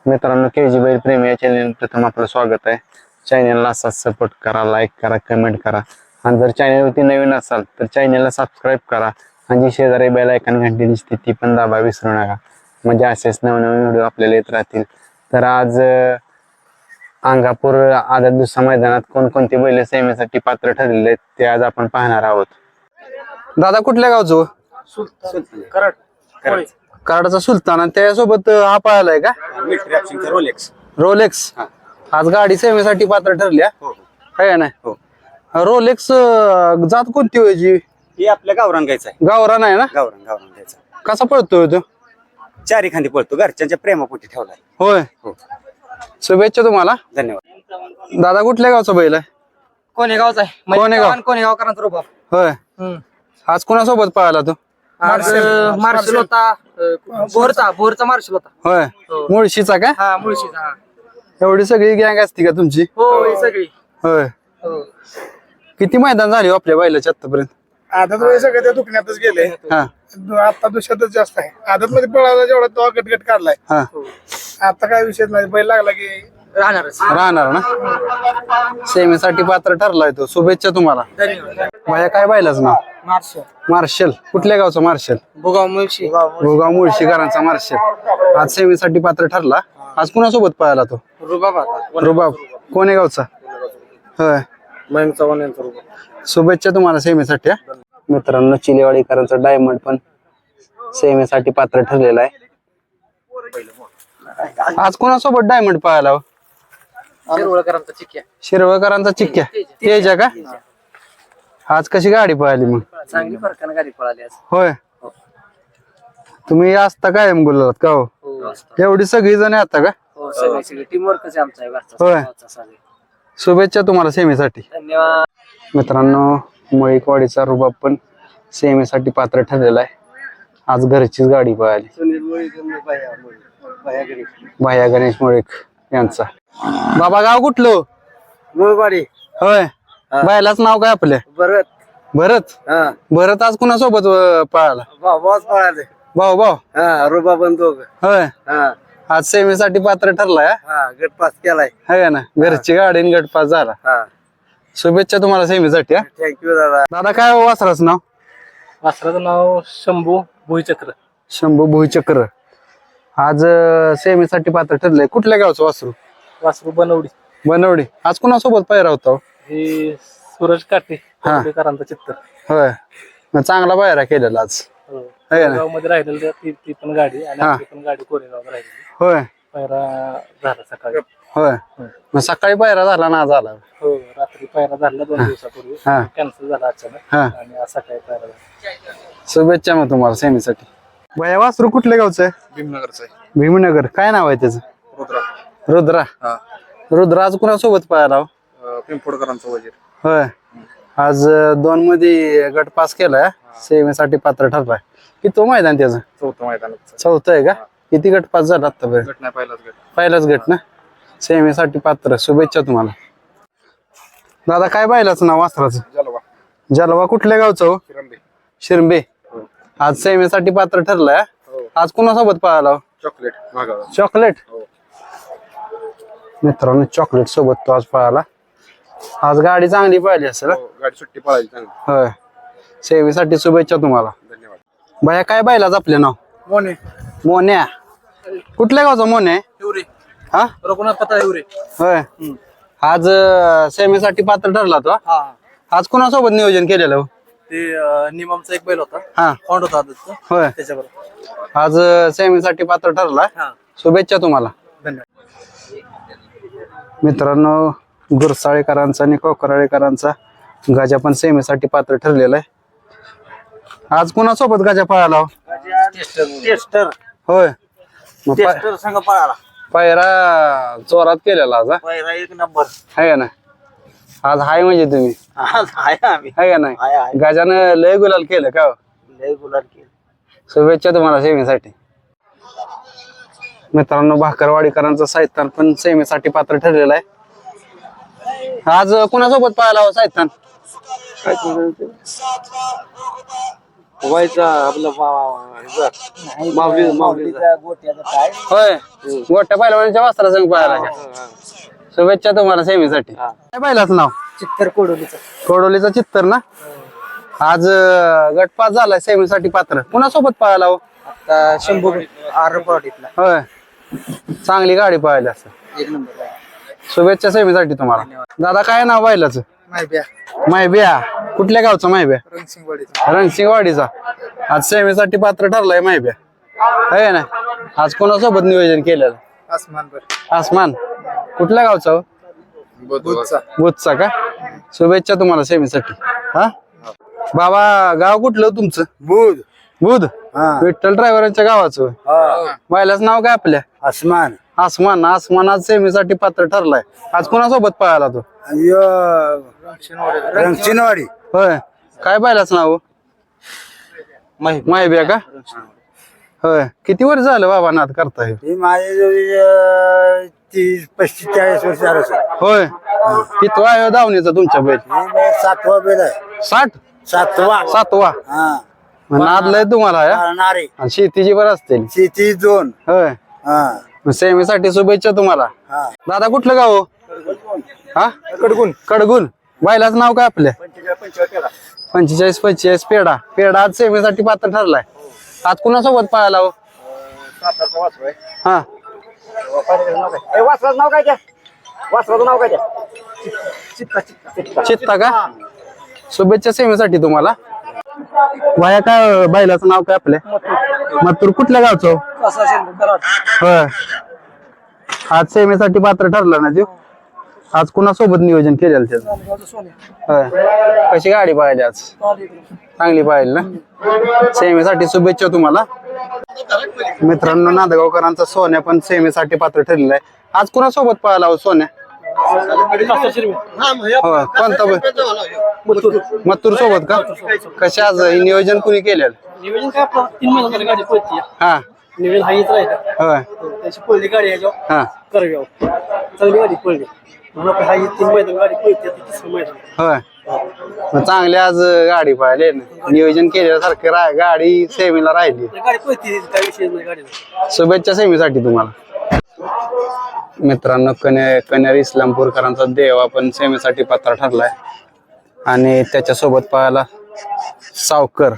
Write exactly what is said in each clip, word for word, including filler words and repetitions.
मित्रांनो, के जी बैल प्रेमी या चॅनल प्रथम आपलं स्वागत आहे. चॅनलला असाच सपोर्ट करा, लाईक करा, कमेंट करा आणि जर चॅनलवरती नवीन असाल तर चॅनलला सबस्क्राईब करा आणि जी शेजारी बेल आयकॉन घंटी दिसते ती पण दाबा विसरू नका, म्हणजे असेच नवनवीन व्हिडिओ आपल्याला येत राहतील. तर आज अंगापूर आदत दुसरा मैदानात कोणकोणती बैल सेमीसाठी पात्र ठरलेले आहेत ते आज आपण पाहणार आहोत. दादा कुठल्या गावचं? कराड कराडचा सुलतान आणि त्यासोबत हा पाहिलाय का रोलेक्स. रोलेक्स? आज गाडी सेवेसाठी पात्र ठरल्या काय नाही? हो. रोलेक्स जात कोणती व्हायची? ही आपल्या गावरान गायचा आहे. गावरान आहे ना? गावरान गावरान गायचा कसा पळतोय तो? चारी खांदी पळतो, घरच्यांच्या प्रेमापोटी ठेवलाय. होय. हो. शुभेच्छा तुम्हाला. धन्यवाद. दादा कुठल्या गावचा बैल आहे? कोणी गावचा आहे? कोणेगाव. कोणेगाव करांचा रोबा. होय. आज कोणासोबत पळाला तो? मार्शल होता, भोरचा भोरचा मार्शल होता. होय. मुळशीचा का? हा मुळशीचा. एवढी सगळी गँग असती का तुमची? हो ही सगळी. होय. किती मैदान झाले हो आपल्या बैलाच्या आतापर्यंत? आदत मध्ये सगळे त्या दुखण्यातच गेले. हा आता दुसऱ्यातच जास्त आहे. आदत मध्ये पळाला जेवढा तो गटगट काढलाय. हा आता काय विषय नाही, बैल लागला की राहणारच. राहणार ना? सेमीसाठी पात्र ठरलाय तो. शुभेच्छा तुम्हाला. धन्यवाद. माझ्या काय बैलाच नाव? मार्शल. मार्शल. कुठल्या गावचा मार्शल? भुगाव मुळशी. भोगाव मुळशीकरांचा मार्शल आज सेमीसाठी पात्र ठरला. आज कुणासोबत पळाला तो? रुबाबा. रुबाब. कोणे गावचा? होय. मयंक चव्हाण यांचा रुबाब. शुभेच्छा तुम्हाला सेमीसाठी. हा. मित्रांनो, चिलेवाडीकरांचा डायमंड पण सेमीसाठी पात्र ठरलेला आहे. आज कोणासोबत डायमंड पळाला हो? शिरवळकरांचा चिक्क्या. शिरवळकरांचा चिक्क्या. तेजा का? आज कशी गाडी पळाली मग? चांगली फरकानं गाडी पळाली आज. होय. तुम्ही असता कायम बोललात का हो? एवढी सगळी जण आता का? हो सगळी सगळी टीम वर्कच आहे आमचा घरचा. होय. गावचा सगळे. शुभेच्छा तुम्हाला सेमीसाठी. धन्यवाद. मित्रांनो, मळीकवाडीचा रुबाब पण सेमीसाठी पात्र ठरलेला आहे. आज घरचीच गाडी पळाली. भाया गणेश मुळीक यांचा. बाबा गाव कुठलं? मुळवाडी. होय. बायलाच नाव काय आपल्या? परत भरत. हा भरत आज कुणासोबत अं, पळाला? भाऊच पळाले. भाऊ भाऊ. हा रुबा पण दोघ. होय. हा आज सेमीसाठी पात्र ठरलाय. हा? हा गट पास केलाय. है का ना? घरची गाडी आणि गटपास झाला. हा शुभेच्छा तुम्हाला सेमीसाठी. हा. थँक्यू दादा. दादा काय हो वासराचं नाव? वासराचं नाव शंभू भुईचक्र. शंभू भुईचक्र. आज अं, सेमीसाठी पात्र ठरलंय. कुठल्या गावचं वासरू? वासरू बनवडी. बनवडी. आज कुणासोबत पायरा होता हो? हे सूरज काटे हा. करांचा चित्तर. होय. मग चांगला पायरा केलेला आज. है का ना? कोरेगाव मध्ये राहिलेली ती ती पण गाडी आणि हा. आपली पण गाडी कोरेगाव राहिलेली. होय. पायरा झाला सकाळी. होय. मग सकाळी पायरा झाला ना झाला? हो रात्री पायरा झाला दोन दिवसापूर्वी. हा. कॅन्सल झाला अचानक हा. आणि आज सकाळी पायरा झाला. शुभेच्छा मग तुम्हाला सेमीसाठी. भैया वासरू कुठल्या गावचं आहे? भीमनगरचा आहे. भीमनगर. काय नाव आहे त्याचं? रुद्रा. रुद्रा. रुद्रा आज कुणासोबत पाहिला हो? पिंपोडकरांचा वजीर. होय. आज अं, दोन मध्ये गट पास केलाय. सेमीसाठी पात्र ठरलाय. की तो मैदान त्याचं चौथं मैदानात. चौथं आहे का? किती गट पास झाला आतापर्यंत? गट नाही पहिलाच गट. पहिलाच गट ना? सेमीसाठी पात्र. शुभेच्छा तुम्हाला. दादा काय पाहिलाच नाव वासराचं? जलवा. जलवा. कुठल्या गावचं हो? किरंबे. शिरंबे. आज सेमीसाठी पात्र ठरलाय. हो. आज कुणासोबत पळाला हो? चॉकलेट भागावर. चॉकलेट. हो. मित्रांनो, चॉकलेट सोबत तो आज पळाला. आज गाडी चांगली पाहिली असेल. हा? हो, गाडी सुट्टी पळायची चांगली. होय. सेवेसाठी शुभेच्छा तुम्हाला. धन्यवाद. बाया काय बायलाच आपले नाव? मोने. मोन्या. कुठल्या गावचा मोन्या? हिवरे. हा. रघुनाथ पता हिवरे. होय. आज अं, सेवेसाठी पात्र ठरला तो. हा आज कुणासोबत नियोजन केलेलं हो? ते निमामचा एक बैल होता. हा. फॉन्ड होता आदतचा. होय. त्याच्याबरोबर. आज अं, सेवेसाठी पात्र ठरला. हा शुभेच्छा तुम्हाला. धन्यवाद. मित्रांनो, गुरसाळेकरांचा आणि कोकराळेकरांचा गाजा पण सेमीसाठी पात्र ठरलेला आहे. आज कुणासोबत गाजा पळाला हो? टेस्टर. होय. मग पा- टेस्टर संघ पळाला. पायरा जोरात केलेला आज. हा? पायरा एक नंबर. आहे का ना? आज हाय म्हणजे तुम्ही आज आहे आम्ही. आहे का नाही? आहे आहे. गाजानं लय गुलाल केलं का हो? लय गुलाल केलं. शुभेच्छा तुम्हाला सेमीसाठी. मित्रांनो, भाकरवाडीकरांचा साहित्यान पण सेमीसाठी पात्र ठरलेला आहे. आज कुणासोबत पाहायला हो साहित्यान? व्हायचा आपलं माऊली माऊलीचा होय गोट्या पहिलवानाच्या वस्त्रा संघ पाहायला का? शुभेच्छा तुम्हाला सेमीसाठी. काय पाहिलाच नाव चित्तर कोडोलीचा कोडोलीचा चित्तर ना. आज अं, गट पास झालाय सेमीसाठी पात्र. कुणासोबत पाहायला हो? आता शंभू आरपाडीतला होय चांगली गाडी पाहायला असं. एक नंबर शुभेच्छा सेमीसाठी तुम्हाला. दादा काय नाव पाहिलाच? माहिती माहिब्या. कुठल्या गावचा माहिब्या? रणसिंगवाडीचा रणसिंगवाडीचा. आज सेमीसाठी पात्र ठरलाय माहिब्या आहे ना. आज कोणासोबत नियोजन केलेलं? आसमान आसमान. कुठल्या गावचा हो? बुधचा बुधचा का. शुभेच्छा तुम्हाला सेमीसाठी. हा बाबा गाव कुठलं हो तुमचं? बुध बुध. विठ्ठल ड्रायव्हरांच्या गावाचं होय. बायलाच नाव काय आपल्या? आसमान आसमान. आसमान आज सेमीसाठी पात्र ठरलाय. आज कोणासोबत पळाला तो? रंगचिनवाडी होय काय पाहिलाच नाव? माहिब्या का. होय किती वर्ष झालं बाबा नाद करताय? ही माझ्या तीस पस्तीस चाळीस वर्ष झालं सर. होय कितवा आहे धावणीचा तुमच्या बैल? हे सातवा बेल आहे. साठ. सातवा सातवा. हा नाद लय तुम्हाला या? नारे आणि शेतीची बरं असतील. शेती दोन होय हा सेमीसाठी शुभेच्छा तुम्हाला. हा दादा कुठलं गाव हो? हा कडगुण कडगुण. बायलाच नाव काय आपल्या? पंचेचाळीस पंचेचाळीस पेडा. पेडा आज सेमीसाठी पात्र ठरलाय. आज कुणासोबत पळाला हो? हा वासराचं नाव काय त्या वासराचं नाव काय त्या चित्ता का. शुभेच्छा सेमीसाठी तुम्हाला. वाया काय बैलाचं नाव काय आपल्या? मथुर. कुठल्या गावचं हो? होय आज सेमीसाठी पात्र ठरला ना तू. आज कुणासोबत नियोजन केलेलं त्याचं? होय कशी गाडी पाहिली आज? चांगली पाहिली ना. सेमीसाठी शुभेच्छा तुम्हाला. मित्रांनो नांदगावकरांचा सोन्या पण सेमीसाठी पात्र ठरलेला आहे. आज कुणासोबत पळाला हो सोन्या? हो कोणता मथुर सोबत का. कशी आज हे नियोजन कुणी केलेलं? नियोजन काय आपलं तीन महिन्याची गाडी पळती हा नियोजन हाच राहिलं. होय त्याची पहिली गाडी आहे हा करव्याव चांगली गाडी पळली म्हणून आपली हाही तीन मैदान गाडी पळते आता तिसरं मैदान. होय मग चांगली आज गाडी पाहिली ना. नियोजन केल्यासारखं रा गाडी सेमीला राहिली. गाडी पळते काय विषय नाही गाडीचा. शुभेच्छा सेमीसाठी तुम्हाला. मित्रांनो कन्या कन्यार इस्लामपूरकरांचा देवा पण सेमीसाठी पात्र ठरलाय आणि त्याच्यासोबत पाहायला सावकर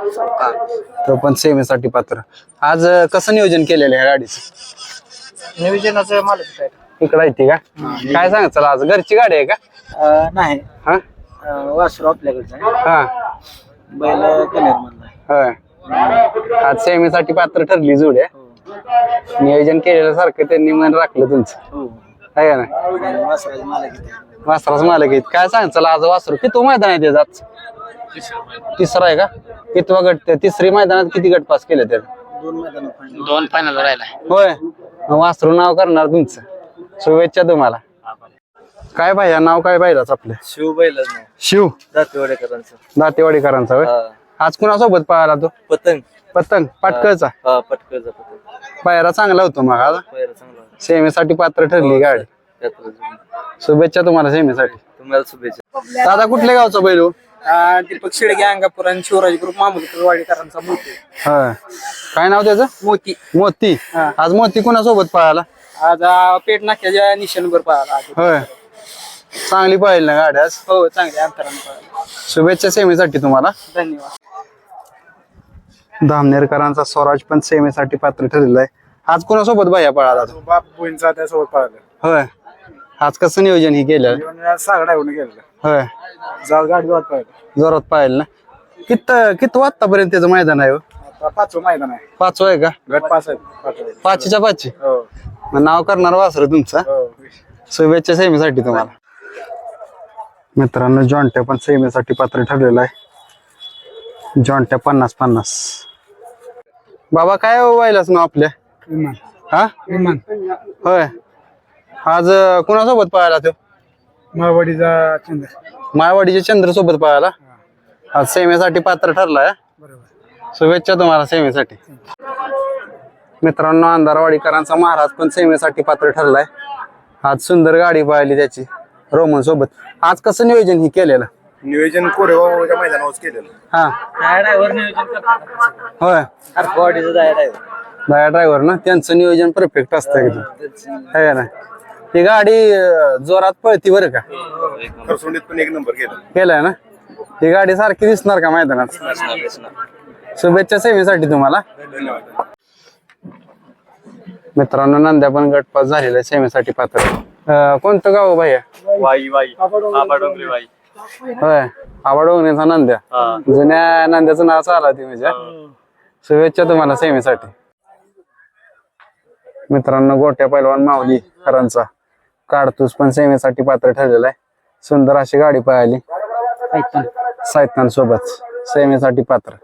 तो पण सेमीसाठी पात्र. आज कसं नियोजन केलेलं आहे गाडीचं? नियोजनाचं मालक आहे इकडे येते का. काय सांग चला आज घरची गाडी आहे का? नाही हा वासरू आपल्याकडचं आहे. हा बैल कनेर मधला होय आज सेमीसाठी पात्र ठरली जोड आहे. नियोजन केलेलं सारखं त्यांनी मन राखलं तुमचं आहे का ना. वासराचे मालक आहे. वासराच मालक आहेत. काय सांग चला आज वासरू किती मैदान आहे त्याचं आज? तिसरा आहे का. कितवा गट? तिसरी मैदानात किती गट पास केले त्याने? दोन मैदान दोन फायनल राहिला. होय वासरू नाव करणार तुमचं. शुभेच्छा तुम्हाला. काय पाहिजे नाव काय पाहिलाच आपल्या? शिव बैलच नाही शिव दातेवाडेकरांचं दातेवाडीकरांचा होय. आज कुणासोबत पाहिला तो? पतंग पतंग पाटकळचा. हा पटकळचा पतंग पायरा चांगला होतो मग आज. पहिला चांगला सेमीसाठी पात्र ठरली गाडी. शुभेच्छा तुम्हाला सेमीसाठी. तुम्हाला शुभेच्छा. दादा कुठल्या गावचा बैल हो? दीपक शेडगे अंगापूर आणि शिवराज ग्रुप मामुलकर वाडीकरांचा मोती. होय काय नाव त्याचं? मोती. मोती. आज मोती कुणासोबत पळाला? आज पेट नाक्याच्या निशाणवर पाहिला. होय चांगली पाहिली ना गाडी आज. हो चांगली अंतराने पाहिला. शुभेच्छा सेमीसाठी तुम्हाला. धन्यवाद. धामनेरकरांचा स्वराज पण सेमीसाठी पात्र ठरलेला आहे. आज कोणासोबत बाया पळाला तो? बाप बोईंचा त्यासोबत पाहिलं होय आज कसं नियोजन हे केलं? सागडा येऊन गेलं होय जाळ गाडी वाट पाहिलं. जोरात पाहिलं ना. कित किती आतापर्यंत त्याचं मैदान आहे हो? आता पाचवं मैदान आहे. पाचवं आहे का. गट पाच आहेत पाचवं. पाचच्या पाचशे. हो मग नाव करणार वासर तुमचं. हो शुभेच्छा सेमीसाठी तुम्हाला. मित्रांनो जॉन्ट्या पण सेमीसाठी पात्र ठरलेला आहे. जॉन्ट्या पन्नास पन्नास. बाबा काय व्हायलाच ना आपल्या? विमान हा विमान होय आज कुणासोबत पळाला तो? माळवाडीचा चंद्र. माळवाडीच्या चंद्र सोबत पळाला. आज सेमीसाठी पात्र ठरलाय. बरोबर. शुभेच्छा तुम्हाला सेमीसाठी. मित्रांनो अंधारवाडीकरांचा महाराज पण सेमीसाठी पात्र ठरलाय. आज सुंदर गाडी पाहिली त्याची रोमन सोबत. आज कसं नियोजन ही केलेलं? नियोजन कोरेगावच्या मैदानावर केलेलं. हा ड्रायव्हर नियोजन करतात होय बॉडीचं ड्रायव्हर दया ड्रायव्हर ना त्यांचं नियोजन परफेक्ट असतं एकदम है ना. ही गाडी अं, जोरात पळती बरं का खरसुंडीत पण एक नंबर केला. केलाय ना. ही गाडी सारखी दिसणार का मैदानात. शुभेच्छा सेवेसाठी तुम्हाला. धन्यवाद. मित्रांनो नंद्या पण गटपास झालेला आहे सेवेसाठी पात्र. अं, कोणतं गाव भैया. वाई वाई आबा डोंगरी वाई. होय आवाडोंगणीचा नंद्या. जुन्या नंद्याचं नाव चालला ती म्हणजे. शुभेच्छा तुम्हाला सेवेसाठी. मित्रांनो गोट्या पैलवान माऊली खरांचा काडतूस पण सेवेसाठी पात्र ठरलेला आहे. सुंदर अशी गाडी पळाली सायतान सोबत सेवेसाठी पात्र.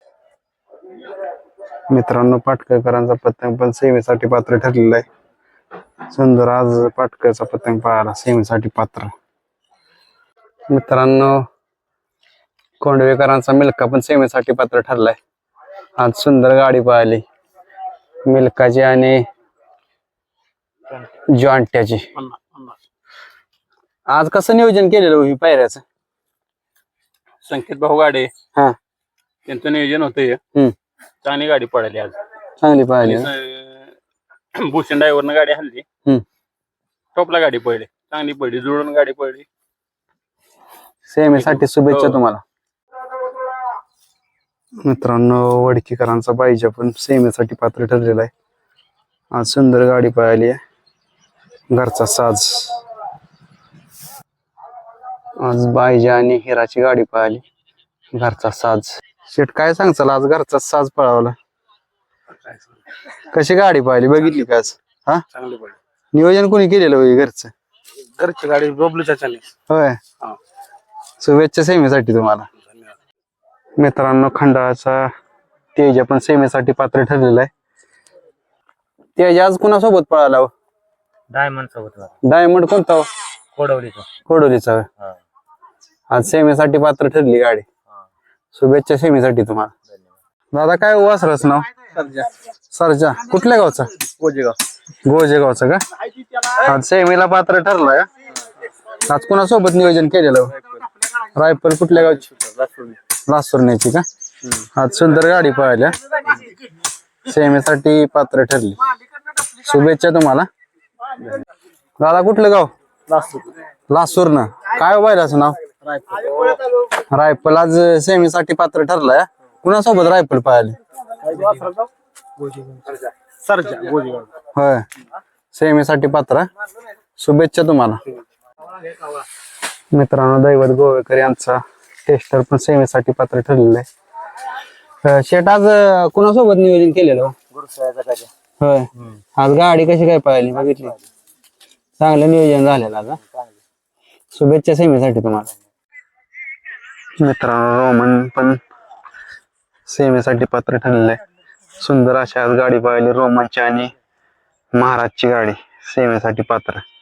मित्रांनो पाटकरकरांचा पतंग पण सेवेसाठी पात्र ठरलेला आहे. सुंदर आज पाटकरचा पतंग पळाला सेवेसाठी पात्र. मित्रांनो कोंडवेकरांचा मिल्का पण सेवेसाठी पात्र ठरलाय. आज सुंदर गाडी पळाली मिल्काची आणि जॉन्ट्याची. आज कसं नियोजन केलेलं ही पायऱ्याचं. संकेत भाऊ गाडे हा त्यांचं नियोजन होतं. हम्म चांगली गाडी पडाली आज. चांगली पाहिली ना? अं, भूषण ड्रायव्हरनं गाडी हल्ली. हम्म टॉपला गाडी पडली चांगली पडली जुळून गाडी पडली. सेवेसाठी शुभेच्छा हो. तुम्हाला. मित्रांनो वडकीकरांचा पाहिजे पण सेवेसाठी पात्र ठरलेला आहे. आज सुंदर गाडी पळाली आहे. घरचा साज आज बायजा आणि हिराची गाडी पळाली. घरचा साज. शेट काय सांगचाल आज घरचा साज पळावला. कशी गाडी पळाली बघितली का आज. हा चांगली पडली. नियोजन कोणी केलेलं होई घरचं. घरची गाडी बबलू चाचाने. होय शुभेच्छा सेवेसाठी तुम्हाला. मित्रांनो खंडाळाचा तेज पण सेवेसाठी पात्र ठरलेला आहे. तेज आज कुणासोबत पळाला हो? डायमंड सोबत डायमंड कोणता हो? कोडवलीचं कोडोलीचा होय. आज सेवेसाठी पात्र ठरली गाडी. शुभेच्छा सेवेसाठी तुम्हाला. दादा काय वासरच नाव. सरजा कुठल्या गावचा. गोजेगाव गोजेगावचा का. आज सेवेला पात्र ठरलाय. आज कुणासोबत नियोजन केलेलं हो? रायफल कुठल्या गावची. लासुरण्याची का. आज सुंदर गाडी पळाल्या सेवेसाठी पात्र ठरली. शुभेच्छा तुम्हाला. दादा कुठलं गाव. लासूर ना. काय व्हायलाच नाव. रायफल आज सेवेसाठी पात्र ठरलाय. कुणासोबत रायफल पळाली. सरजा गोजेगाव. होय सेवेसाठी पात्र. शुभेच्छा तुम्हाला. मित्रांनो दैवत गोवेकर यांचा टेस्टर पण सेवेसाठी पात्र ठरलेलं आहे. शेट आज अं, कुणासोबत नियोजन केलेलं. होय आज गाडी कशी काय पळाली बघितली. चांगलं नियोजन झालेलं आता. शुभेच्छा सेवेसाठी तुम्हाला. मित्रांनो रोमन पण सेवेसाठी पात्र ठरलेलं आहे. सुंदर अशी आज गाडी पळाली रोमनची आणि महाराजची गाडी सेवेसाठी पात्र.